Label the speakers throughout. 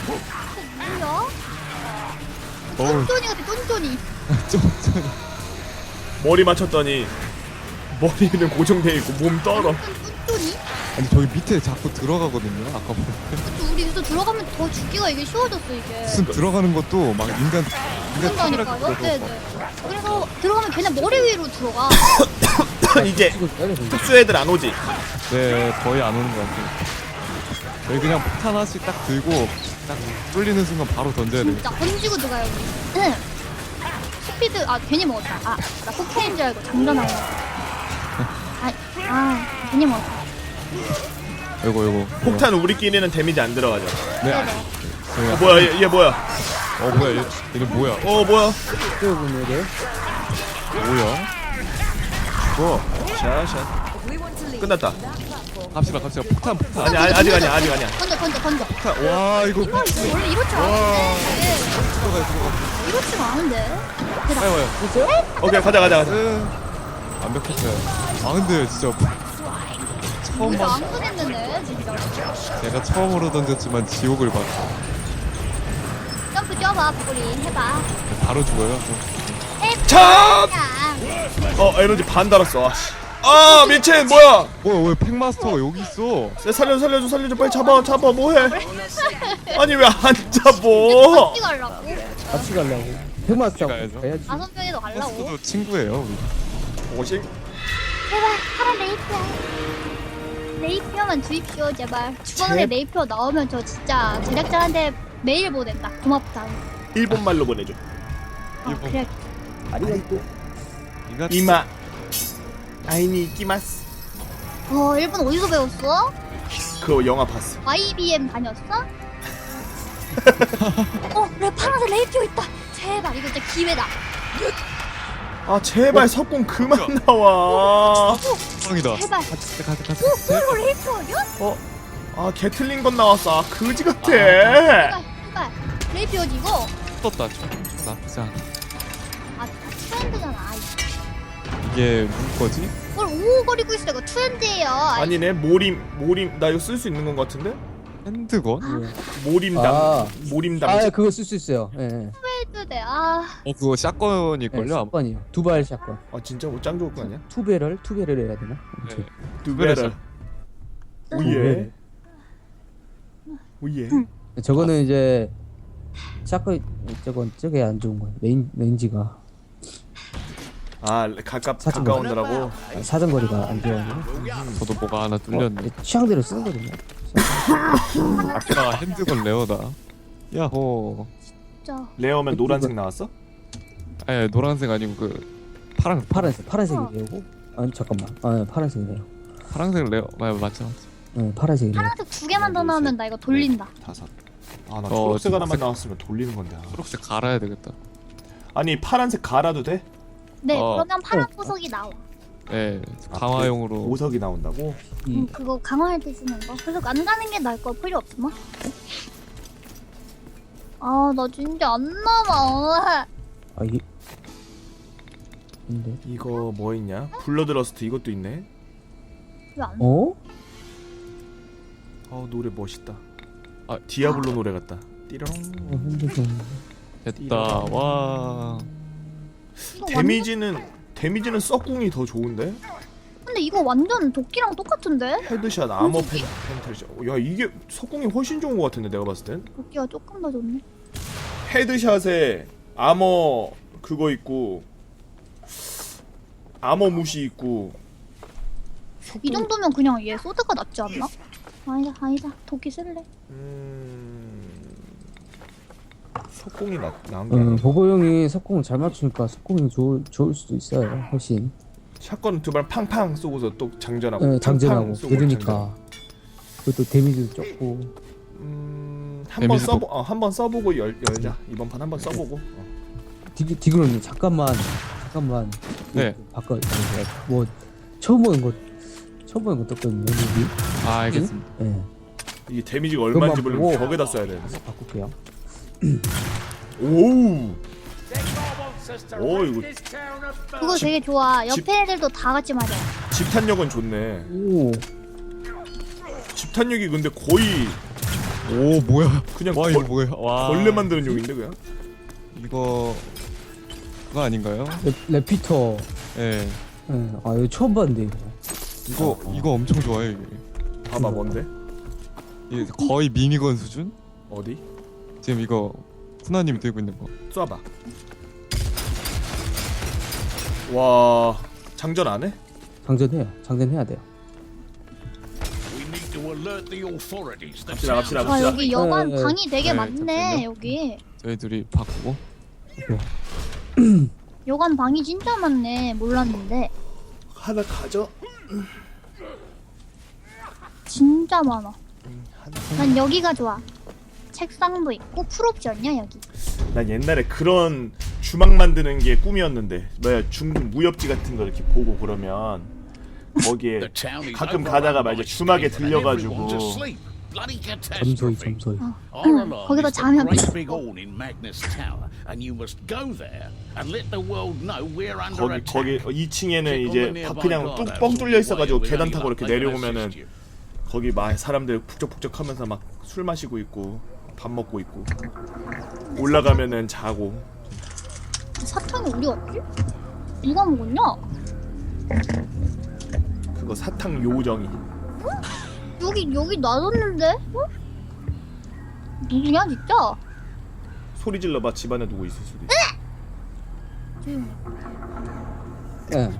Speaker 1: 뭐야?
Speaker 2: 어우.
Speaker 1: 쫀쫀이 같아 쫀쫀이.
Speaker 2: 쫀쫀이.
Speaker 3: 머리 맞췄더니 머리는 고정돼 있고 몸 떨어.
Speaker 1: 쫀쫀이?
Speaker 2: 아니 저기 밑에 자꾸 들어가거든요. 아까 보면
Speaker 1: 우리 여기서 들어가면 더 죽기가 이게 쉬워졌어 이게.
Speaker 2: 무슨 들어가는 것도 막 인간 카메라
Speaker 1: 그런다니까요.
Speaker 2: 켜고
Speaker 1: 네네. 그래서 들어가면 그냥 머리 위로 들어가.
Speaker 3: 이제 특수 애들 안 오지.
Speaker 2: 네 거의 안 오는 것 같아요. 저희 그냥 폭탄 하나씩 딱 들고 딱 뚫리는 순간 바로 던져야 돼요.
Speaker 1: 진짜 던지고 들어가요. 응. 스피드 괜히 먹었다. 나 코카인 줄 알고 장전하려. 괜히 먹었다.
Speaker 2: 요거
Speaker 3: 폭탄 우리끼리는 데미지 안 들어가죠.
Speaker 2: 네.
Speaker 1: 네네.
Speaker 2: 저희가
Speaker 3: 뭐야 얘 뭐야?
Speaker 2: 뭐야 얘는 뭐야?
Speaker 3: 뭐야?
Speaker 2: 뭐?
Speaker 3: 샤샤. 끝났다.
Speaker 2: 갑시다 폭탄
Speaker 3: 아니 아직 아니야.
Speaker 1: 던져.
Speaker 2: 폭탄. 와 이거
Speaker 1: 이거 원래 이렇지 않은데.
Speaker 2: 들어가.
Speaker 1: 이렇지가 않은데.
Speaker 2: 빨리 와요.
Speaker 3: 오케이 가자.
Speaker 2: 완벽했어요. 아 근데 진짜 처음
Speaker 1: 우리가
Speaker 2: 봤
Speaker 1: 안 보냈는데 진짜.
Speaker 2: 제가 처음으로 던졌지만 지옥을 봤어.
Speaker 1: 점프 뛰어봐 부리 해봐.
Speaker 2: 바로 죽어요.
Speaker 3: 참!
Speaker 1: 야.
Speaker 3: 에너지 반 달았어. 아 미친 뭐야?
Speaker 2: 뭐야 왜 팩마스터가 여기 있어?
Speaker 3: 살려줘 빨리 잡아 뭐해? 아니 왜 안 잡어?
Speaker 1: 같이 가려고.
Speaker 4: 같이 가려고. 백마스터
Speaker 2: 가야죠.
Speaker 4: 가야지.
Speaker 1: 5명이도 가려고.
Speaker 2: 버스도 친구예요. 우리.
Speaker 3: 오십?
Speaker 1: 제발 파란 레이피어. 레이피어만 주입시오 제발. 주방에 레이피어 나오면 저 진짜 제작자한테 메일 보낸다. 고맙다.
Speaker 3: 일본 말로 보내줘.
Speaker 2: 일본.
Speaker 1: 그래.
Speaker 4: 아리가또.
Speaker 3: 이마 아이니 이끼마스.
Speaker 1: 일본 어디서 배웠어?
Speaker 3: 그 영화 봤어.
Speaker 1: IBM 다녔어? 그래 파란색 레이피어 있다. 제발 이거 진짜 기회다.
Speaker 3: 아 제발 석궁 그만 나와.
Speaker 2: 뻥이다.
Speaker 1: 제발.
Speaker 2: 같이.
Speaker 1: 이거 레이피어 아니야?
Speaker 3: 아 개틀린 건 나왔어. 그지 같아.
Speaker 1: 제발. 레이피어지 이거?
Speaker 2: 떴다. 나쁘지 않아.
Speaker 1: 트렌드잖아.
Speaker 2: 이게 누구 거지?
Speaker 1: 그걸 오거리고 있어. 이거 트렌드예요.
Speaker 3: 아니네 모림 나 이거 쓸 수 있는 건 같은데?
Speaker 2: 핸드건?
Speaker 3: 모림당.
Speaker 4: 그거 쓸 수 있어요. 예.
Speaker 1: 트렌드대.
Speaker 2: 그거 샷건일걸요? 아마.
Speaker 4: 샷건이요. 두발 샷건.
Speaker 3: 아 진짜 뭐 짱 좋을 거 아니야?
Speaker 4: 투배럴 해야 되나?
Speaker 2: 네.
Speaker 3: 두배럴. 오예. 오예.
Speaker 4: 저거는 이제 샷건 저게 안 좋은 거예요. 레인지가
Speaker 3: 가까운데라고.
Speaker 4: 사정거리가 안 좋아요.
Speaker 2: 저도 뭐가 하나 뚫렸네.
Speaker 4: 취향대로 쓰는 거든요.
Speaker 2: 아까 핸드건 레어다. 야호.
Speaker 1: 진짜.
Speaker 3: 레어면 노란색 나왔어?
Speaker 2: 아니 노란색 아니고 그
Speaker 4: 파란색이래요. 아니 잠깐만. 파란색이래요.
Speaker 2: 파란색 레어. 맞죠.
Speaker 4: 파란색이래요.
Speaker 1: 파란색 2개만 더 나오면 나 이거 돌린다.
Speaker 3: 5. 나 초록색 하나만
Speaker 2: 초록색.
Speaker 3: 나왔으면 돌리는 건데.
Speaker 2: 초록색 갈아야 되겠다.
Speaker 3: 아니 파란색 갈아도 돼?
Speaker 1: 네,
Speaker 2: 어.
Speaker 1: 그러면 파란 보석이 나와.
Speaker 2: 네. 강화용으로.
Speaker 3: 보석이 나온다고?
Speaker 1: 그거 강화할 때 쓰는 거. 그래서 안 가는 게 나을 거 필요 없으나? 나 진짜 안 남아.
Speaker 4: 이게 근데
Speaker 3: 이거 뭐 있냐? 블러드러스트 이것도 있네.
Speaker 1: 왜안
Speaker 3: 노래 멋있다. 디아블로 노래 같다. 띠롱.
Speaker 4: 핸드건.
Speaker 2: 됐다. 와.
Speaker 3: 데미지는 썩궁이 더 좋은데?
Speaker 1: 근데 이거 완전 도끼랑 똑같은데?
Speaker 3: 헤드샷, 아머 펜탈샷. 야 이게 석궁이 훨씬 좋은 것 같은데 내가 봤을 땐.
Speaker 1: 도끼가 조금 더 좋네.
Speaker 3: 헤드샷에 아머 그거 있고 아머 무시 있고.
Speaker 1: 이 정도면 그냥 얘 소드가 낫지 않나? 아니다. 도끼 쓸래.
Speaker 3: 석궁이 나은 게 아니야.
Speaker 4: 보고형이 석궁을 잘 맞추니까 석궁이 좋을 수도 있어요. 훨씬.
Speaker 3: 샷건 두 발 팡팡 쏘고서 또 장전하고.
Speaker 4: 장전하고
Speaker 3: 팡팡 쏘고
Speaker 4: 느리니까. 그것도 데미지도 적고.
Speaker 3: 한번 써보고 열자. 이번 판 한번 써보고.
Speaker 4: 디그로님 잠깐만.
Speaker 2: 네.
Speaker 4: 바꿔. 뭐 처음 보는 거 떴거든요. 여기.
Speaker 2: 알겠습니다.
Speaker 4: 예.
Speaker 3: 이게 데미지가 얼마인지
Speaker 4: 그것만
Speaker 3: 모르면
Speaker 4: 보고
Speaker 3: 벽에다 써야 돼.
Speaker 4: 바꿀게요.
Speaker 3: 오우. 이거
Speaker 1: 그거 되게 좋아. 옆에 애들도 다 같이 맞아.
Speaker 3: 집탄력은 좋네.
Speaker 4: 오.
Speaker 3: 집탄력이 근데 거의
Speaker 2: 오 뭐야?
Speaker 3: 그냥
Speaker 2: 와 이거 뭐야? 와
Speaker 3: 벌레 만드는 용인데 그냥.
Speaker 2: 이거 그거 아닌가요?
Speaker 4: 레피터.
Speaker 2: 예.
Speaker 4: 예. 아 이거 처음 봤는데 이거.
Speaker 2: 이거 엄청 좋아요 이게.
Speaker 3: 봐봐 뭔데?
Speaker 2: 이게 거의 미니건 수준?
Speaker 3: 어디?
Speaker 2: 지금 이거 쿠나님이 들고 있는 거.
Speaker 3: 쏴봐. 와 장전 안 해?
Speaker 4: 장전해요. 장전해야 돼요.
Speaker 5: We need to alert the authorities. The
Speaker 3: 갑시다 갑시다
Speaker 1: 와
Speaker 3: 갑시다.
Speaker 1: 여기 여관
Speaker 4: 네,
Speaker 1: 방이 되게
Speaker 2: 네,
Speaker 1: 많네
Speaker 2: 잠깐만요.
Speaker 1: 여기.
Speaker 2: 저희 둘이 바꾸고.
Speaker 1: 여관 방이 진짜 많네. 몰랐는데
Speaker 3: 하나 가져.
Speaker 1: 진짜 많아.
Speaker 3: 하나.
Speaker 1: 난 여기가 좋아. 책상도 있고 풀옵션이야 여기.
Speaker 3: 난 옛날에 그런 주막 만드는 게 꿈이었는데 뭐야 중국 무협지 같은 거 이렇게 보고 그러면 거기에
Speaker 5: The town is
Speaker 3: 가끔
Speaker 5: overrun
Speaker 3: 가다가
Speaker 5: by
Speaker 3: 말이야 주막에
Speaker 5: steam and
Speaker 3: 들려가지고
Speaker 5: everyone's asleep. Bloody
Speaker 4: 점소이
Speaker 5: catastrophe.
Speaker 4: 점소이.
Speaker 5: Our alarm
Speaker 1: 거기서
Speaker 5: is the
Speaker 1: 자면
Speaker 5: great
Speaker 1: 됐어.
Speaker 5: big horn in Magnus Tower, and you must go there and let the world know we're under
Speaker 3: 거기
Speaker 5: attack.
Speaker 3: 2층에는 이제 그냥 뻥 뚫려 있어가지고 계단 타고 이렇게 내려오면은 거기 막 사람들 북적북적하면서 막 술 마시고 있고 밥 먹고 있고 올라가면은 자고.
Speaker 1: 사탕이 어디 갔지? 누가 먹었냐?
Speaker 3: 그거 사탕 요정이.
Speaker 1: 여기 놔뒀는데? 어? 누구냐 진짜?
Speaker 3: 소리 질러봐. 집안에 누구 있을 수도 있어.
Speaker 1: 조용히.
Speaker 4: 예.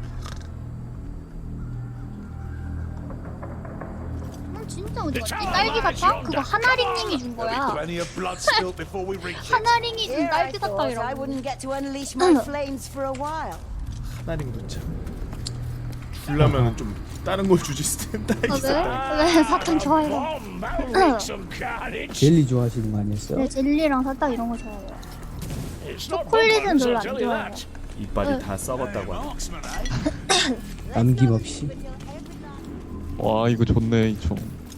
Speaker 1: 진짜 어디 갔지? 딸기 사탕? 그거 하나링님이 준 거야.
Speaker 5: Plenty of blood spilt before we reach it.
Speaker 1: 하나링이 준
Speaker 6: Here I
Speaker 1: 딸기
Speaker 6: thought I
Speaker 1: 사탕이라고.
Speaker 6: wouldn't get to unleash my flames for a while.
Speaker 3: 하나링도 참. 줄라면은 좀 다른 걸 주지 스탠다.
Speaker 1: 왜 사탕 좋아해요?
Speaker 5: Bomb, that'll make some carnage.
Speaker 4: 젤리 좋아하시는 거 아니었어요?
Speaker 1: 네 젤리랑 사탕 이런 거 좋아해요.
Speaker 5: It's not
Speaker 1: 초콜릿은
Speaker 5: bonbons,
Speaker 1: 별로
Speaker 5: I'll
Speaker 1: 안
Speaker 5: tell you
Speaker 1: 좋아해요.
Speaker 5: that.
Speaker 3: 이빨이 다 썩었다고 하네.
Speaker 5: Marksman, eh?
Speaker 4: 남김없이.
Speaker 2: 와 이거 좋네 이 총.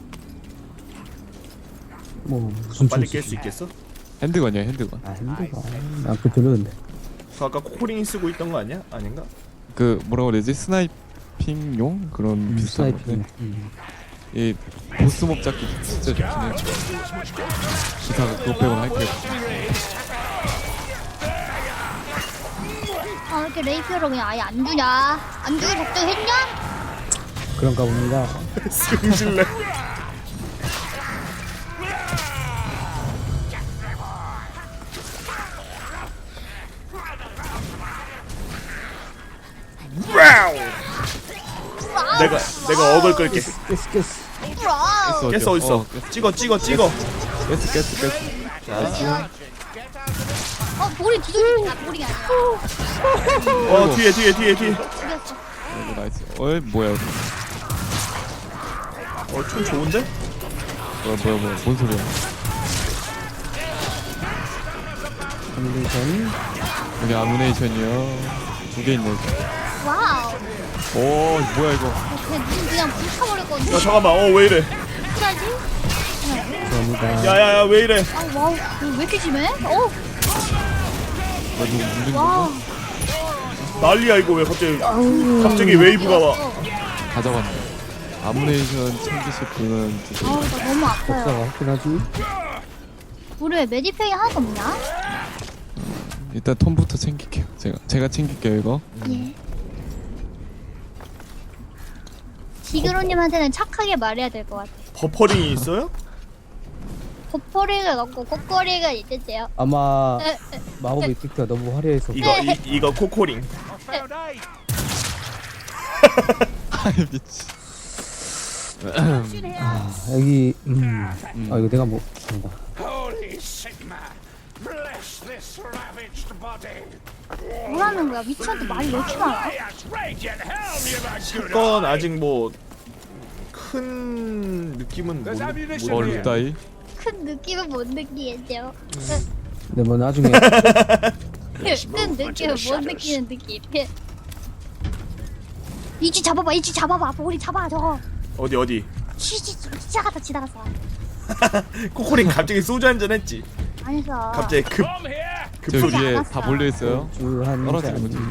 Speaker 4: 뭐 무슨
Speaker 3: 빨리
Speaker 4: 총
Speaker 3: 깰 수
Speaker 4: 쓰지?
Speaker 3: 있겠어?
Speaker 2: 핸드건이야 핸드건.
Speaker 4: 아 핸드가. 아그 별로인데.
Speaker 3: 그 아까 코코링이 쓰고 있던 거 아니야? 아닌가?
Speaker 2: 그 뭐라고 그러지? 스나이핑용 그런 비슷한
Speaker 4: 스나이핑.
Speaker 2: 건데. 이 보스몹 잡기 진짜 좋긴 해요. 기사가 그거 빼고는 할 게 없어.
Speaker 1: 아 왜 이렇게 레이피어를 그냥 아예 안 주냐? 안 주길 작정했냐?
Speaker 4: 그런가 봅니다.
Speaker 3: 승질내. 와우! 내가 어글 끌게.
Speaker 4: 깼어.
Speaker 1: 브라우.
Speaker 3: 깼어 어딨어? 찍어.
Speaker 2: 깼어. 자,
Speaker 1: 볼이 뒤집히니까 볼이 아니라.
Speaker 3: 뒤에.
Speaker 1: 죽였어.
Speaker 2: 이거 나이스. 어이 뭐야 이거.
Speaker 3: 총 좋은데?
Speaker 2: 뭐야 뭔 소리야?
Speaker 4: 컨디션.
Speaker 2: 여기 아무네이션이요. 2개 있네.
Speaker 1: 와우.
Speaker 2: 오 뭐야 이거?
Speaker 1: 그냥 눈 그냥 불타버렸거든.
Speaker 3: 야 잠깐만. 왜 이래?
Speaker 1: 어떡하지?
Speaker 4: 감사합니다.
Speaker 3: 야야야 왜 이래?
Speaker 1: 아 와우. 이거 왜 이렇게 심해?
Speaker 2: 뭐 누구 물린
Speaker 1: 와우.
Speaker 2: 건가?
Speaker 3: 난리야 이거 왜 갑자기 웨이브가 와?
Speaker 2: 다 잡았네. 아무네이션 챙기실 분은 드세요.
Speaker 1: 아우 나 너무 아파요.
Speaker 4: 역사가 확실하지?
Speaker 1: 우리 왜 메디팩이 하나도 없냐?
Speaker 2: 일단 톰부터 챙길게요. 제가 챙길게요 이거.
Speaker 1: 예. 지그로님한테는 착하게 말해야 될 것 같아.
Speaker 3: 버퍼링이 있어요?
Speaker 1: 버퍼링은 없고 꼬꼬리가 있으세요.
Speaker 4: 아마 마법의 이펙트가 너무 화려해서
Speaker 3: 이거 코코링.
Speaker 2: 아이 미치.
Speaker 4: 여기 아 이거 내가 뭐 뭔가
Speaker 5: Holy Sigma, bless this ravaged body.
Speaker 1: 뭐라는 거야? 미치한테 말이 왜 이렇게 많아?
Speaker 5: Yes, radiant helm, you my good
Speaker 3: 건 아직 뭐 큰 느낌은
Speaker 2: 뭐 루다이?
Speaker 1: 큰 느낌은 못 느끼겠죠.
Speaker 4: 근데 뭐 나중에
Speaker 1: 큰 느낌은 못 느끼는 느낌. 이지 잡아봐. 머리 잡아 저거.
Speaker 3: 어디?
Speaker 1: 지나갔어.
Speaker 3: 코코링 갑자기 소주 한잔 했지.
Speaker 1: 아니서.
Speaker 3: 갑자기
Speaker 5: Come here.
Speaker 2: 저
Speaker 3: 급소리.
Speaker 2: 위에
Speaker 1: 않았어.
Speaker 2: 다 몰려 있어요.
Speaker 4: 주한
Speaker 2: 떨어지는 거지.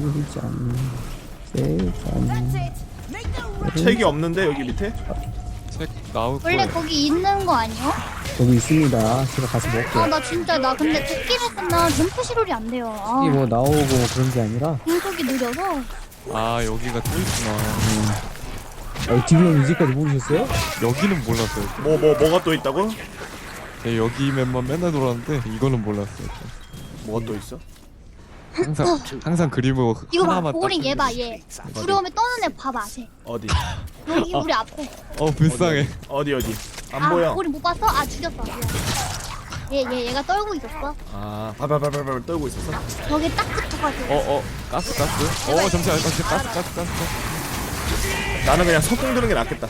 Speaker 4: 두잔 세잔
Speaker 3: 책이 없는데 여기 밑에?
Speaker 2: 책 나올
Speaker 1: 원래
Speaker 2: 거예요.
Speaker 1: 거기 있는 거 아니요?
Speaker 4: 여기 있습니다. 제가 가서 먹게요.
Speaker 1: 아 나 진짜 나 근데 도끼를 쓰면 점프 시롤이 안 돼요. 아,
Speaker 4: 이게 뭐 나오고 뭐 그런 게 아니라
Speaker 1: 공속이 느려서.
Speaker 2: 아 여기가 또 있구나.
Speaker 4: 디비형 이제까지 모르셨어요?
Speaker 2: 여기는 몰랐어요.
Speaker 3: 뭐가 또 있다고?
Speaker 2: 네, 여기 맵만 맨날 돌았는데 이거는 몰랐어요.
Speaker 3: 뭐가 또 있어?
Speaker 2: 항상 그림을
Speaker 1: 이거 봐,
Speaker 2: 하나만
Speaker 1: 보고링
Speaker 2: 딱
Speaker 1: 얘 봐, 얘. 두려움에 떠는 애 봐봐, 쟤.
Speaker 3: 어디?
Speaker 1: 여기 우리 앞에.
Speaker 2: 불쌍해.
Speaker 3: 어디? 안 보여.
Speaker 1: 보고링 못 봤어? 아, 죽였어. 미안. 얘가 떨고 있었어.
Speaker 3: 아, 발발발발 떨고 있었어.
Speaker 1: 벽에 딱 붙어가지고.
Speaker 2: 가스. 잠시만, 가스.
Speaker 3: 나는 그냥 석궁 드는 게 낫겠다.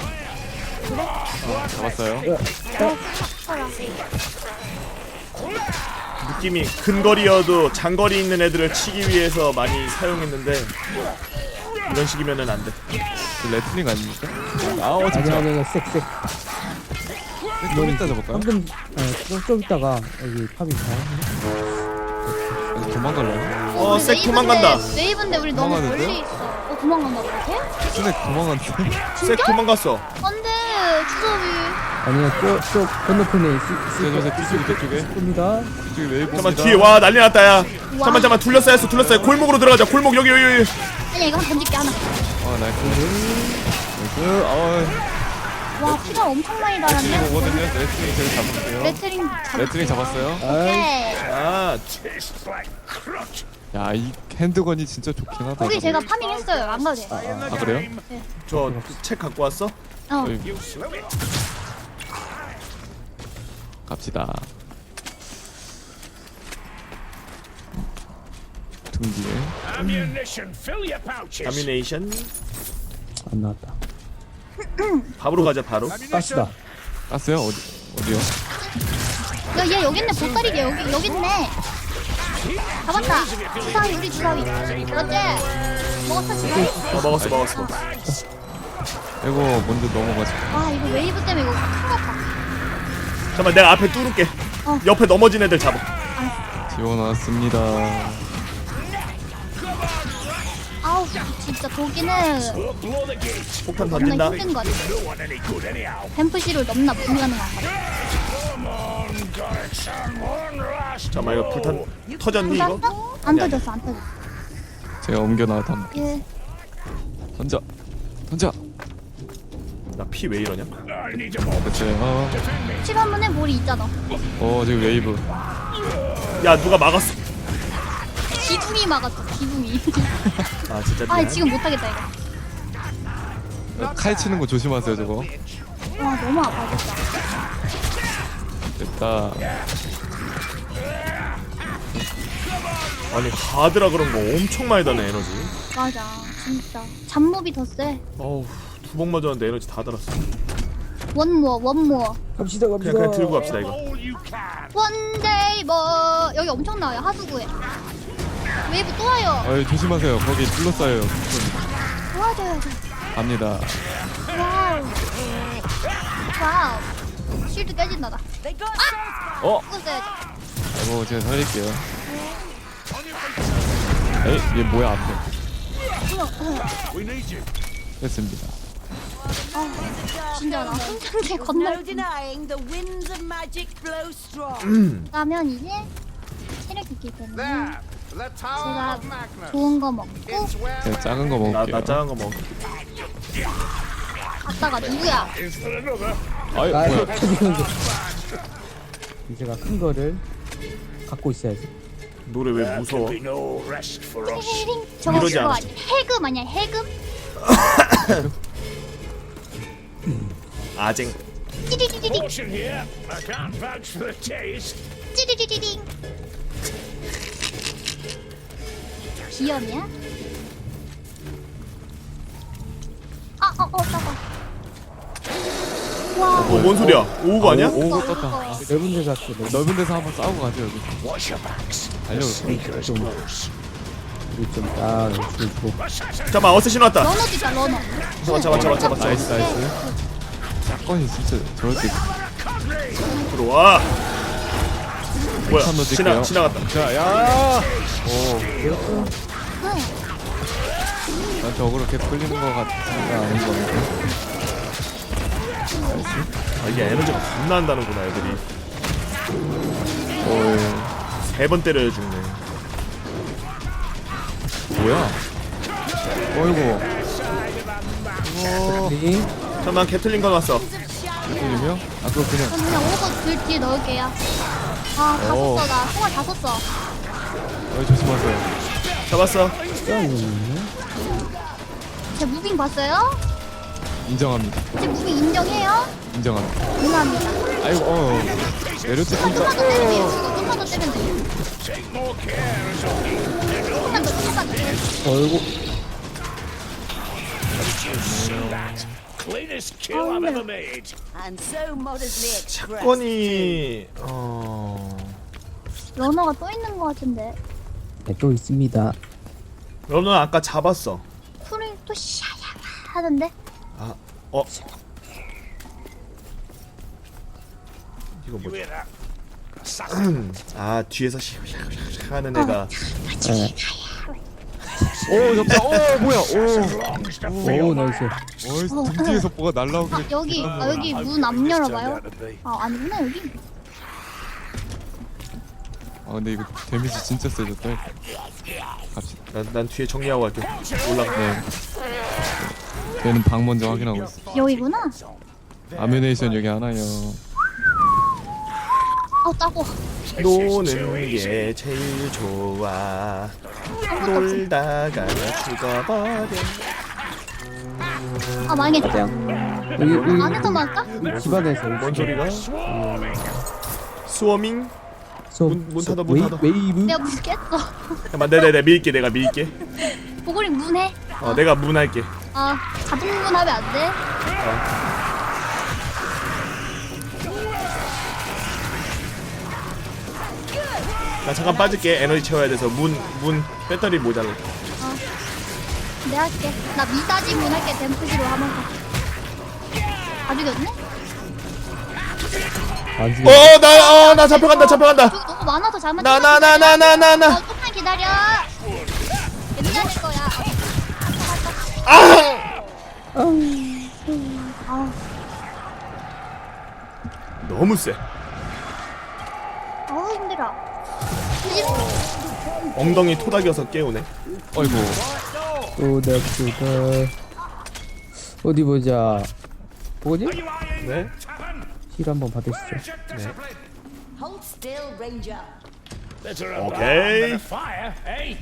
Speaker 2: 잡았어요.
Speaker 3: 느낌이 근거리여도 장거리 있는 애들을 치기 위해서 많이 사용했는데 이런 식이면은 안 돼.
Speaker 2: 그 레슬링 아닙니까?
Speaker 4: 아니
Speaker 2: 진짜.
Speaker 4: 아니 색.
Speaker 2: 좀 이따 잡을까요?
Speaker 4: 방금 좀 있다가 여기 팝이 가요.
Speaker 2: 도망갈래요?
Speaker 1: 우리
Speaker 3: 색 도망간다.
Speaker 1: 웨이브인데 우리 너무
Speaker 2: 도망가는데요?
Speaker 1: 멀리 있어. 도망간다 그러게?
Speaker 2: 스낵 도망갔는데?
Speaker 3: 색 도망갔어.
Speaker 1: 안돼, 주섭이.
Speaker 4: 아니요 저 건너편에
Speaker 2: 저쪽에
Speaker 4: 겁니다.
Speaker 2: 이쪽에 웨이브
Speaker 3: 잠깐만 뒤에 와 난리 났다 야. 잠깐만 둘러싸였어. 골목으로 들어가자. 골목 여기.
Speaker 1: 아니야, 이거 한 던질게 하나.
Speaker 2: 나이스.
Speaker 1: 와, 피가 엄청 많이 달았네.
Speaker 2: 오거든요. 레슬링 제일 잡을게요. 레슬링 잡았어요.
Speaker 1: 오케이.
Speaker 3: 아,
Speaker 2: 야, 이 핸드건이 진짜 좋긴 하다.
Speaker 1: 거기
Speaker 2: 이거.
Speaker 1: 제가 파밍했어요. 안 가도 돼.
Speaker 2: 아, 그래요?
Speaker 3: 저 책 갖고 왔어?
Speaker 2: 여기. 갑시다. 등 뒤에.
Speaker 5: Ammunition, fill your pouches.
Speaker 3: 다미네이션.
Speaker 4: 안 나왔다.
Speaker 3: 밥으로 가자 바로.
Speaker 4: 가스다.
Speaker 2: 깠어요? 어디요?
Speaker 1: 야, 얘 여기 있네. 보따리 얘 여기 있네. 잡았다. 주사위, 우리 주사위. 그렇지. 먹었어, 주사위?
Speaker 3: 먹었어.
Speaker 2: 이거 먼저 넘어가지고.
Speaker 1: 아, 이거 웨이브 때문에 이거 큰일 났다.
Speaker 3: 잠깐만 내가 앞에 뚫을게. 옆에 넘어진 애들 잡아.
Speaker 2: 지원왔습니다.
Speaker 1: 아우, 진짜 독이는
Speaker 5: Blow the gate.
Speaker 3: 폭탄
Speaker 1: 겁나
Speaker 3: 던진다.
Speaker 1: 힘든 거 같아.
Speaker 5: No one any good anyhow.
Speaker 1: 뱀프시를 넘나 불가능한 거 같아.
Speaker 5: Come on, guys. One last.
Speaker 3: 잠깐만 이거 불탄 터졌니 이거?
Speaker 1: 떴어? 안 터졌어, 안 터졌어.
Speaker 2: 제가 옮겨놔도 한번
Speaker 1: 예.
Speaker 2: 던져.
Speaker 3: 나 피 왜 이러냐?
Speaker 5: I need a moment.
Speaker 2: 됐어요.
Speaker 1: 실험문에 볼이 있잖아.
Speaker 2: 지금 웨이브.
Speaker 3: 야 누가 막았어?
Speaker 1: 기둥이 막았어, 기둥이.
Speaker 3: 아 진짜
Speaker 1: 아,
Speaker 3: 미안.
Speaker 1: 지금 못하겠다, 이거.
Speaker 2: 칼 치는 거 조심하세요, 저거.
Speaker 1: 와, 너무 아파졌다.
Speaker 2: 됐다.
Speaker 3: 아니 가드라 그런 거 엄청 많이 다네 에너지.
Speaker 1: 맞아, 진짜. 잡몹이 더 세.
Speaker 3: 어우 두 번 맞았는데 에너지 다 달았어.
Speaker 1: 원모어.
Speaker 4: 갑시다.
Speaker 3: 그냥 들고 갑시다 이거.
Speaker 5: All you can.
Speaker 1: 원데이 뭐 여기 엄청 나와요, 하수구에. 웨이브 또 와요.
Speaker 2: 조심하세요. 거기 둘러싸여요.
Speaker 1: 도와줘야죠.
Speaker 2: 갑니다.
Speaker 1: 와우. 쉴드 깨진다, 나.
Speaker 6: They got
Speaker 1: 죽었어야지.
Speaker 2: 아이고, 제가 살릴게요. 얘 뭐야, 앞에.
Speaker 5: We need you.
Speaker 2: 됐습니다.
Speaker 1: 진짜 나 혼자인데
Speaker 6: no
Speaker 1: 건널.
Speaker 6: denying the winds of magic blow strong.
Speaker 1: 가면 이제 체력이 있기 때문에
Speaker 7: The Tower
Speaker 1: 제가
Speaker 7: of Magnus.
Speaker 1: 좋은 거 먹고
Speaker 7: It's where
Speaker 2: 제가 작은 거
Speaker 3: 나
Speaker 2: 먹을게요.
Speaker 3: 작은 거 먹어.
Speaker 1: 갔다가 누구야?
Speaker 5: Is there another?
Speaker 2: 아이,
Speaker 4: 아,
Speaker 2: 뭐야.
Speaker 4: 제가 큰 거를 갖고 있어야지.
Speaker 3: 노래 왜 무서워?
Speaker 5: Be no rest for us.
Speaker 1: 헤링 저거
Speaker 3: 이러지
Speaker 1: 그거
Speaker 3: 않았어.
Speaker 1: 아니야? 해금 아니야? 해금?
Speaker 3: 아쟁.
Speaker 1: 찌리리리링
Speaker 5: Caution here. I can't vouch for the taste.
Speaker 1: 찌리리리링. 비염이야? 따가. 와.
Speaker 3: 뭔 소리야? 오고 아니야?
Speaker 2: 오고 떴다.
Speaker 4: 넓은 데 갔어.
Speaker 2: 넓은 데서 한번 싸우고 가죠, 여기.
Speaker 5: Watch your backs.
Speaker 2: 달려.
Speaker 5: Sneaker is close.
Speaker 4: 우리 좀딱 주고.
Speaker 3: 잠깐만 어쌔신 왔다.
Speaker 1: 러너도 있다, 러너.
Speaker 3: 잡아.
Speaker 2: 나이스. 사건이 진짜 저럴 때.
Speaker 3: 들어와. 뭐야?
Speaker 2: 한번 넣을게요.
Speaker 3: 지나갔다.
Speaker 2: 자, 야! 오. 난 저거 그렇게 끌리는 거 같지가 않은 거 같아.
Speaker 3: 아, 이게 에너지가 겁나 한다는구나 애들이. 세 번 때려야 죽네.
Speaker 2: 뭐야? 어이구.
Speaker 4: 리
Speaker 3: 잠깐만 개틀린 거 났어.
Speaker 2: 들리며? 아 그거 그냥
Speaker 1: 전 그냥 오버 글 뒤에 넣을게요. 아, 다
Speaker 2: 오.
Speaker 1: 썼어. 나 총알 다 썼어.
Speaker 2: 조심하세요.
Speaker 3: 잡았어.
Speaker 1: 제 무빙 봤어요?
Speaker 2: 인정합니다.
Speaker 1: 제 무빙 인정해요?
Speaker 2: 인정합니다.
Speaker 1: 응합니다.
Speaker 2: 아이고 내렸지
Speaker 1: 좀만
Speaker 2: 진짜.
Speaker 1: 더 때리면 돼요. 좀만 더 때리면 돼요. 좀만 더, 좀만 더.
Speaker 4: 어이구.
Speaker 5: Cleanest kill I've ever made.
Speaker 6: And so modestly expressed.
Speaker 3: 사건이
Speaker 1: 러너가 또 있는 것 같은데.
Speaker 4: 네, 또 있습니다.
Speaker 3: 너는 아까 잡았어.
Speaker 1: 쿨이 또 샤야 하던데.
Speaker 3: 이거 뭐지?
Speaker 5: Hear that?
Speaker 3: 아 뒤에서 하는 애가
Speaker 4: 네.
Speaker 2: 오 잡자. 오 뭐야?
Speaker 4: 오 나이스.
Speaker 2: 등 뒤에서 뭐가 날라오길래.
Speaker 1: 아, 여기 문 안 열어봐요. 아, 아니구나, 여기.
Speaker 2: 아 근데 이거 데미지 진짜 세졌다. 갑시다.
Speaker 3: 난 뒤에 정리하고 갈게. 올라가.
Speaker 2: 네. 얘는 방 먼저 확인하고 있어.
Speaker 1: 여기구나.
Speaker 2: 아뮤네이션 여기 하나요.
Speaker 1: 따고.
Speaker 3: 노는 게 제일 좋아. 놀다가 죽어버려.
Speaker 1: 아, 망했다.
Speaker 4: 여기
Speaker 1: 안에서 막까?
Speaker 4: 집안에서
Speaker 3: 뭔 소리가? 스워밍? 문 닫아, 문 닫아.
Speaker 4: 웨이브.
Speaker 1: 내가 문 깼어.
Speaker 3: 잠깐만, 내가 밀게, 내가 밀게.
Speaker 1: 보고리 문해.
Speaker 3: 내가 문 할게.
Speaker 1: 아, 자동 문하면 안 돼.
Speaker 3: 나 잠깐 빠질게. 에너지 채워야 돼서 문 배터리 모자라.
Speaker 1: 내가 할게. 나 미사지 문 할게. 댐프기로 하면서. 다 죽였네?
Speaker 4: 안 죽여.
Speaker 3: 나 잡혀간다.
Speaker 1: 저기 너무 많아서 잘못
Speaker 3: 나.
Speaker 1: 조금만 기다려. 괜찮을 거야. 아,
Speaker 3: 너무 세.
Speaker 1: 힘들어.
Speaker 3: 엉덩이 토닥여서 깨우네.
Speaker 2: 어이구.
Speaker 4: 또다. 어디 보자. 뭐지?
Speaker 3: 네?
Speaker 4: 힐 한번 받으시죠.
Speaker 6: Hold still, Ranger.
Speaker 5: Better a
Speaker 3: Okay.
Speaker 5: bomb than a fire, eh?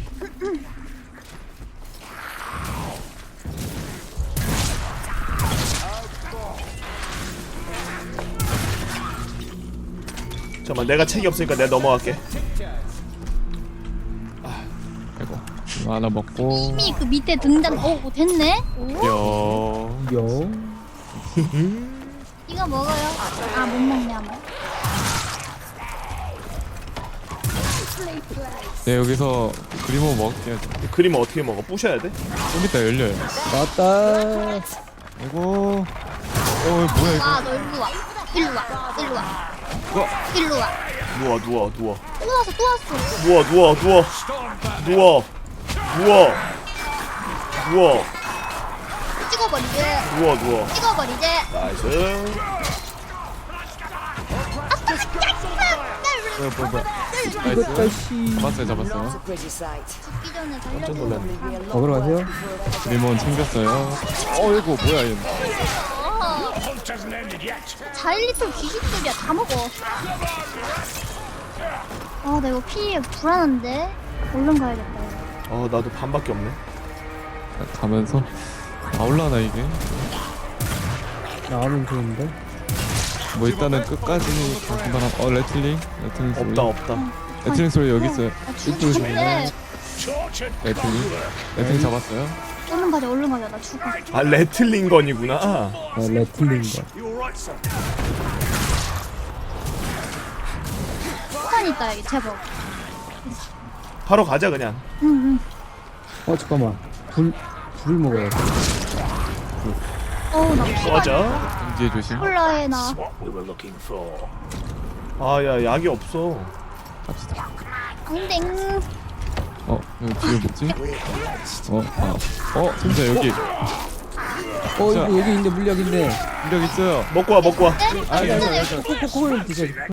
Speaker 3: 잠깐만, 내가 책이 없으니까 내가 넘어갈게.
Speaker 2: 아이고. 이거 하나 먹고.
Speaker 1: 이미 그 밑에 등단, 됐네? 오?
Speaker 2: 여.
Speaker 4: 요.
Speaker 1: 이거 먹어요. 아, 못 먹냐, 뭐.
Speaker 2: 네 여기서 그리모 먹을게요.
Speaker 3: 그림 어떻게 먹어? 부셔야 돼?
Speaker 2: 좀 이따 열려요.
Speaker 4: 맞다.
Speaker 2: 아이고. 뭐야 이거.
Speaker 1: 아, 너 일로 와. 일로 와. 일로 와. 일로 와.
Speaker 3: 누워.
Speaker 1: 또 왔어.
Speaker 3: 누워.
Speaker 1: 찍어버리지. 찍어버리지.
Speaker 3: 나이스.
Speaker 2: 뭐야.
Speaker 4: 이것도
Speaker 2: 나이스.
Speaker 4: 씨.
Speaker 2: 잡았어요.
Speaker 6: Pretty sight.
Speaker 1: 죽기 전에
Speaker 3: 깜짝
Speaker 1: 살려줘.
Speaker 3: 놀랐네.
Speaker 4: 먹으러 가세요.
Speaker 2: 리몬 챙겼어요. 어이구 뭐야 얘.
Speaker 5: Hunt hasn't ended yet.
Speaker 1: 자일리톨 귀신들이야. 다 먹어. 아, 나 이거 피 불안한데. 얼른 가야겠다. 이거.
Speaker 3: 나도 반밖에 없네.
Speaker 2: 가면서 나올라나 이게.
Speaker 4: 나오면 좋은데.
Speaker 2: 뭐 일단은 끝까지 간단한. 레틀링 소리.
Speaker 3: 없다.
Speaker 2: 레틀링 소리 여기 있어요.
Speaker 1: 아, 죽는데.
Speaker 5: Tortured.
Speaker 2: 레틀링 잡았어요.
Speaker 1: 얼른 가자. 나 죽어.
Speaker 3: 아, 레틀링건이구나.
Speaker 4: 레틀린 거.
Speaker 1: 폭탄 있다, 여기. 제법.
Speaker 3: 바로 가자 그냥.
Speaker 1: 응.
Speaker 4: 잠깐만. 불을 먹어야 돼.
Speaker 1: 나 피가
Speaker 3: 맞아.
Speaker 2: 뒤에 조심.
Speaker 1: 콜라에 나.
Speaker 5: What we were looking for.
Speaker 3: 야, 약이 없어.
Speaker 2: 갑시다.
Speaker 1: 땡.
Speaker 2: 여기 뒤에 뭐지? 진짜 여기.
Speaker 4: 이거 여기 있네 물약 있네.
Speaker 2: 인력 있어요.
Speaker 3: 먹고 와 먹고 와.
Speaker 1: 네?
Speaker 2: 아니, 아니,
Speaker 1: 괜찮아요.
Speaker 2: 아니,
Speaker 4: 코코콜 드셔.